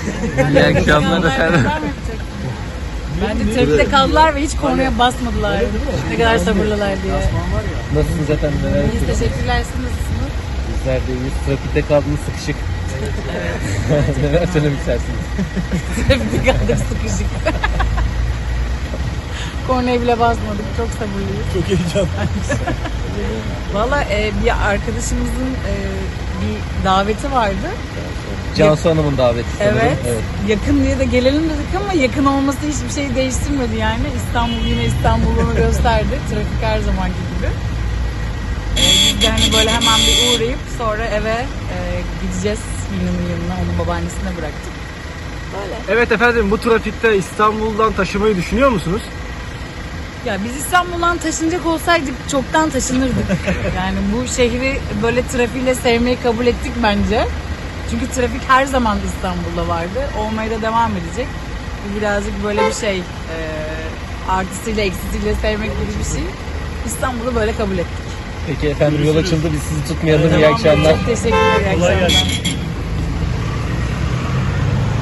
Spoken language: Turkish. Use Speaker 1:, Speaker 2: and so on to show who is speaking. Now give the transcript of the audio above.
Speaker 1: İyi akşamlar efendim.
Speaker 2: Bence trafikte kaldılar ve hiç kornaya basmadılar. Ne kadar sabırlılar diye.
Speaker 1: Nasılsınız efendim? Neler
Speaker 2: Biz
Speaker 1: yapıyorsunuz?
Speaker 2: teşekkürler. Siz nasılsınız?
Speaker 1: Bizler de iyiyiz. Trafikte kaldınız sıkışık. Neler söylemek istersiniz?
Speaker 2: Trafikte kaldık sıkışık. Kornaya bile basmadık. Çok sabırlıyız.
Speaker 3: Çok heyecanlı.
Speaker 2: Valla bir arkadaşımızın bir daveti vardı.
Speaker 1: Cansu Hanım'ın daveti sanırım.
Speaker 2: Evet. Yakın diye de gelelim dedik ama yakın olması hiçbir şey değiştirmedi yani. İstanbul yine İstanbul'unu gösterdi. Trafik her zamanki gibi. Biz de hani böyle hemen bir uğrayıp sonra eve gideceğiz Yunan'ın yanına. Onu babaannesine bıraktık. Böyle.
Speaker 3: Evet efendim, bu trafikte İstanbul'dan taşımayı düşünüyor musunuz?
Speaker 2: Ya biz İstanbul'dan taşınacak olsaydık çoktan taşınırdık. Yani bu şehri böyle trafiğiyle sevmeyi kabul ettik bence. Çünkü trafik her zaman İstanbul'da vardı. Olmaya da devam edecek. Bu birazcık böyle bir şey. Artısıyla eksisiyle sevmek gibi bir şey. İstanbul'u böyle kabul ettik.
Speaker 1: Peki efendim, yol açıldı. Biz sizi tutmayalım. İyi
Speaker 2: Tamam,
Speaker 1: akşamlar.
Speaker 2: çok teşekkürler. İyi akşamlar.